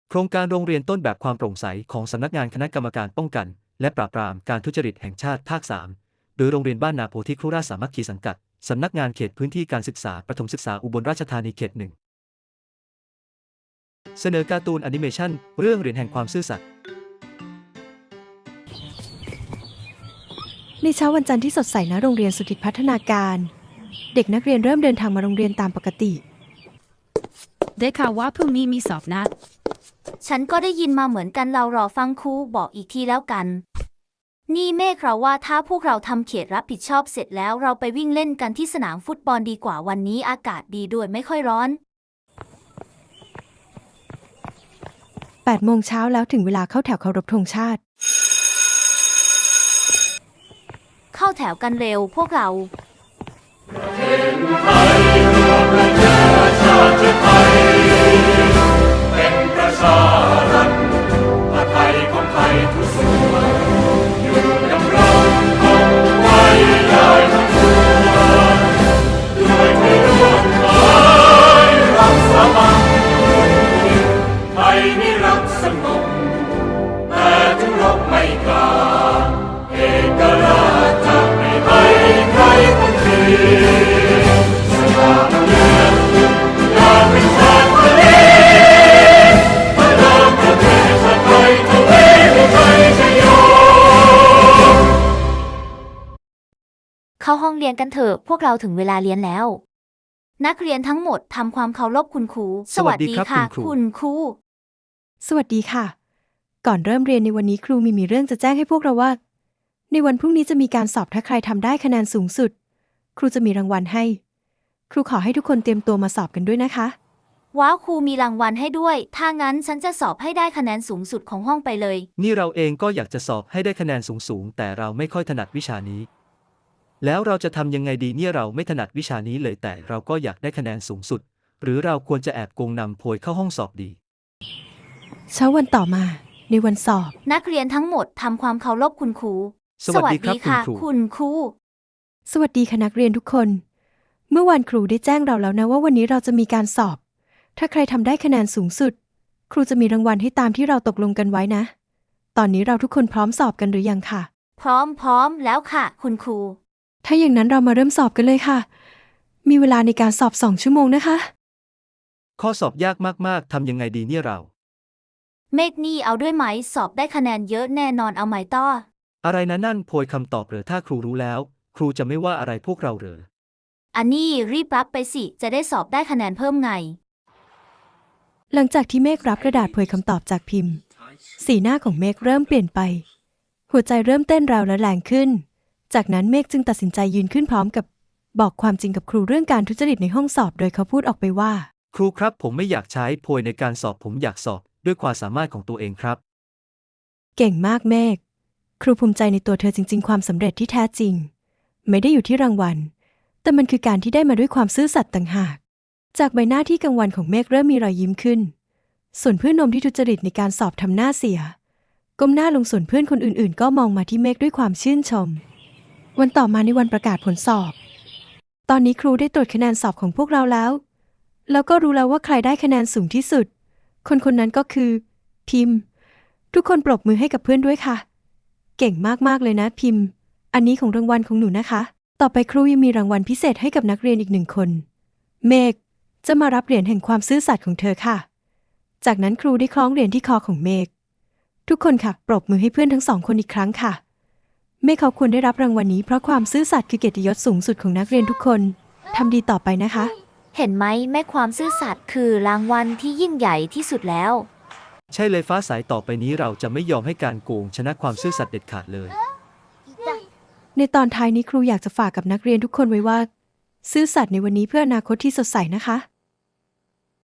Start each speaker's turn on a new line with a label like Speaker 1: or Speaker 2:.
Speaker 1: โครงการโรงเรียนต้นแบบความโปร่งใสของสำนักงานคณะกรรมการป้องกันและปราบปรามการทุจริตแห่งชาติภาค 3 โดยโรงเรียนบ้านนาโพธิครุราชสามัคคีสังกัดสำนักงานเขตพื้นที่การศึกษาประถมศึกษาอุบลราชธานีเขต 1เสนอการ์ตูนแอนิเมชั่นเรื่องเหรียญแห่งความซื่อสัตย์
Speaker 2: ในเช้าวันจันทร์ที่สดใสณโรงเรียนสุทธิพัฒนาการเด็กนักเรียนเริ่มเดินทางมาโรงเรียนตามปกติ
Speaker 3: ได้ข่าวว่าพรุ่งนี้มีสอบนัด
Speaker 4: ฉันก็ได้ยินมาเหมือนกันเรารอฟังครูบอกอีกทีแล้วกันนี่เมฆเราว่าถ้าพวกเราทำเขตรับผิดชอบเสร็จแล้วเราไปวิ่งเล่นกันที่สนามฟุตบอลดีกว่าวันนี้อากาศดีด้วยไม่ค่อยร้อน
Speaker 2: 8 โมงเช้าแล้วถึงเวลาเข้าแถวเคารพธงชาติ
Speaker 4: เข้าแถวกันเร็วพวกเรา
Speaker 5: เป็นประชารัฐไทยของไทยทุกส่วนอยู่ดำรงคงไว้ได้ทั้งปวงด้วยที่ร่วมหมายรักสามัคคีไทยนิรักสงบแต่ถึงรบไม่กล้าเอกราชจะไม่ให้ใครคนดีสถาบันเมืองอยากเป็นชาติทะเลพระรามประเทศชาติไทยทวีวิชัยชโย
Speaker 4: เข้าห้องเรียนกันเถอะพวกเราถึงเวลาเรียนแล้วนักเรียนทั้งหมดทำความเคารพคุณครู
Speaker 1: สวัสดีครับ
Speaker 4: คุณครู
Speaker 2: สวัสดีค่ะก่อนเริ่มเรียนในวันนี้ครูมีเรื่องจะแจ้งให้พวกเราว่าในวันพรุ่งนี้จะมีการสอบถ้าใครทำได้คะแนนสูงสุดครูจะมีรางวัลให้ครูขอให้ทุกคนเตรียมตัวมาสอบกันด้วยนะคะ
Speaker 4: ว้าวครูมีรางวัลให้ด้วยถ้างั้นฉันจะสอบให้ได้คะแนนสูงสุดของห้องไปเลย
Speaker 1: นี่เราเองก็อยากจะสอบให้ได้คะแนนสูงๆแต่เราไม่ค่อยถนัดวิชานี้แล้วเราจะทำยังไงดีเนี่ยเราไม่ถนัดวิชานี้เลยแต่เราก็อยากได้คะแนนสูงสุดหรือเราควรจะแอบโกงนำโพยเข้าห้องสอบดี
Speaker 2: เช้าวันต่อมาในวันสอบ
Speaker 4: นักเรียนทั้งหมดทำความเคารพคุณครู
Speaker 1: สวัสดีครับ
Speaker 4: คุณครู
Speaker 2: สวัสดีค่ะนักเรียนทุกคนเมื่อวานครูได้แจ้งเราแล้วนะว่าวันนี้เราจะมีการสอบถ้าใครทำได้คะแนนสูงสุดครูจะมีรางวัลให้ตามที่เราตกลงกันไว้นะตอนนี้เราทุกคนพร้อมสอบกันหรือยังค่ะ
Speaker 4: พร้อมแล้วค่ะคุณครู
Speaker 2: ถ้าอย่างนั้นเรามาเริ่มสอบกันเลยค่ะมีเวลาในการสอบ2 ชั่วโมงนะคะ
Speaker 1: ข้อสอบยากมากๆทำยังไงดีเนี่ยเรา
Speaker 4: เมฆนี่เอาด้วยไหมสอบได้คะแนนเยอะแน่นอนเอาไหมต้อ
Speaker 1: อะไรนะนั่นโพยคำตอบเหรอถ้าครูรู้แล้วครูจะไม่ว่าอะไรพวกเราเหรอ
Speaker 4: อันนี้รีบรับไปสิจะได้สอบได้คะแนนเพิ่มไง
Speaker 2: หลังจากที่เมฆรับกระดาษเผยคำตอบจากพิมพ์สีหน้าของเมฆเริ่มเปลี่ยนไปหัวใจเริ่มเต้นแรงและแรงขึ้นจากนั้นเมฆจึงตัดสินใจยืนขึ้นพร้อมกับบอกความจริงกับครูเรื่องการทุจริตในห้องสอบโดยเขาพูดออกไปว่า
Speaker 1: ครูครับผมไม่อยากใช้โพยในการสอบผมอยากสอบด้วยความสามารถของตัวเองครับ
Speaker 2: เก่งมากเมฆครูภูมิใจในตัวเธอจริงๆความสำเร็จที่แท้จริงไม่ได้อยู่ที่รางวัลแต่มันคือการที่ได้มาด้วยความซื่อสัตย์ต่างหากจากใบหน้าที่กังวลของเมฆเริ่มมีรอยยิ้มขึ้นส่วนเพื่อนนมที่ทุจริตในการสอบทำหน้าเสียก้มหน้าลงส่วนเพื่อนคนอื่นๆก็มองมาที่เมฆด้วยความชื่นชมวันต่อมาในวันประกาศผลสอบตอนนี้ครูได้ตรวจคะแนนสอบของพวกเราแล้วก็รู้แล้วว่าใครได้คะแนนสูงที่สุดคนนั้นก็คือพิมพ์ทุกคนปรบมือให้กับเพื่อนด้วยค่ะเก่งมากๆเลยนะพิมพ์อันนี้ของรางวัลของหนูนะคะต่อไปครูยังมีรางวัลพิเศษให้กับนักเรียนอีก1 คนเมฆจะมารับเหรียญแห่งความซื่อสัตย์ของเธอค่ะจากนั้นครูได้คล้องเหรียญที่คอของเมฆทุกคนค่ะปรบมือให้เพื่อนทั้ง2 คนอีกครั้งค่ะเมฆเขาควรได้รับรางวัลนี้เพราะความซื่อสัตย์คือเกียรติยศสูงสุดของนักเรียนทุกคนทำดีต่อไปนะคะ
Speaker 4: เห็นไหมแม่ความซื่อสัตย์คือรางวัลที่ยิ่งใหญ่ที่สุดแล้ว
Speaker 1: ใช่เลยฟ้าสายต่อไปนี้เราจะไม่ยอมให้การโกงชนะความซื่อสัตย์เด็ดขาดเลย
Speaker 2: ในตอนท้ายนี้ครูอยากจะฝากกับนักเรียนทุกคนไว้ว่าซื่อสัตย์ในวันนี้เพื่ออนาคตที่สดใสนะคะ